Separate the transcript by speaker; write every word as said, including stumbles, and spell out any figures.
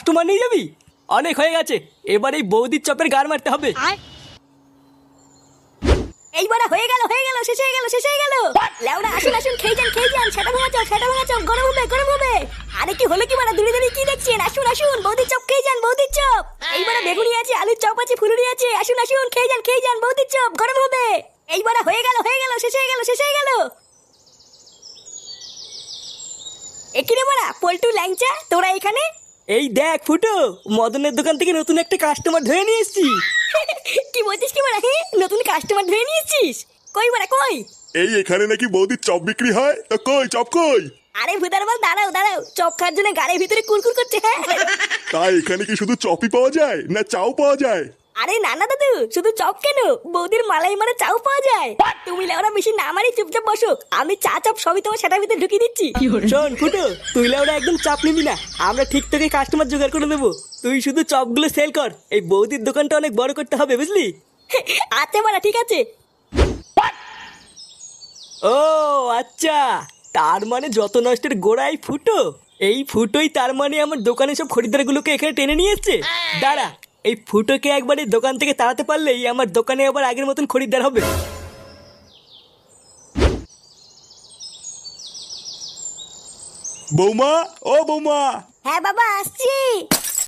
Speaker 1: Customer নিয়ে যাবি? অনেক হয়ে গেছে, এবার এই বৌদির চপের গার মারতে হবে।
Speaker 2: এইবার হয়ে গেল হয়ে গেল শেষ হয়ে গেল শেষ হয়ে গেল। লেওড়া আসুন আসুন, খেয়ে যান খেয়ে যান, সেটা ভাঙা চপ সেটা ভাঙা চপ, গরম হবে গরম হবে। আরে কি হলো কি মানে দূরে দূরে কি দেখছেন? আসুন আসুন, বৌদির চপ খেয়ে যান, বৌদির চপ। এইবার বেগুনি আছে, আলুর চপ আছে, ফুলুরি আছে, আসুন আসুন খেয়ে যান খেয়ে যান, বৌদির চপ গরম হবে। এইবার হয়ে গেল হয়ে গেল শেষ হয়ে গেল শেষ হয়ে গেল। এখানে মারা পল্টু ল্যাংচা, তোরা এখানে?
Speaker 1: এই দেখ ফুটো, মদনের দোকান থেকে নতুন একটা কাস্টমার ধরে নিয়ে এসেছি।
Speaker 2: কি বলছিস কি মারা? হ্যাঁ নতুন কাস্টমার ধরে নিয়েছিস? কই মারা কই?
Speaker 3: এই এখানে নাকি বৌদির চপ বিক্রি হয়, তা কই চপ কই?
Speaker 2: আরে ভুদার বল দাঁড়াও দাঁড়াও, চপ খাওয়ার জন্য গাড়ির ভিতরে কুরকুর করছে। হ্যাঁ
Speaker 3: তাই এখানে কি শুধু চপই পাওয়া যায় না চাও পাওয়া যায়?
Speaker 2: আরে না না দাদু, শুধু চপ কেন, বৌদির মালাই মারা চাও পাওয়া যায়। তুমি লেওরা বেশি না মারি চুপচাপ বসো, আমি চা চপ সবই তোমার সেটার ভিতরে ঢুকিয়ে দিচ্ছি।
Speaker 1: শোন ফুটো, তুই ওরা একদম চাপ নিবি না, আমরা ঠিক তোকে কাস্টমার জোগাড় করে দেবো। তুই শুধু চপগুলো সেল কর, এই বৌদির দোকানটা অনেক বড় করতে হবে, বুঝলি?
Speaker 2: আচ্ছা মারা ঠিক আছে।
Speaker 1: ও আচ্ছা, তার মানে যত নষ্টের গোড়াই ফুটো। এই ফুটোই তার মানে আমার দোকানে সব খরিদ্দারগুলোকে এখানে টেনে নিয়ে এসছে। দাঁড়া, এই ফুটোকে একবার এই দোকান থেকে তাড়াতে পারলেই আমার দোকানে আবার আগের মতন খরিদ্দার হবে।
Speaker 3: বৌমা, ও বৌমা।
Speaker 2: হ্যাঁ বাবা আসছি।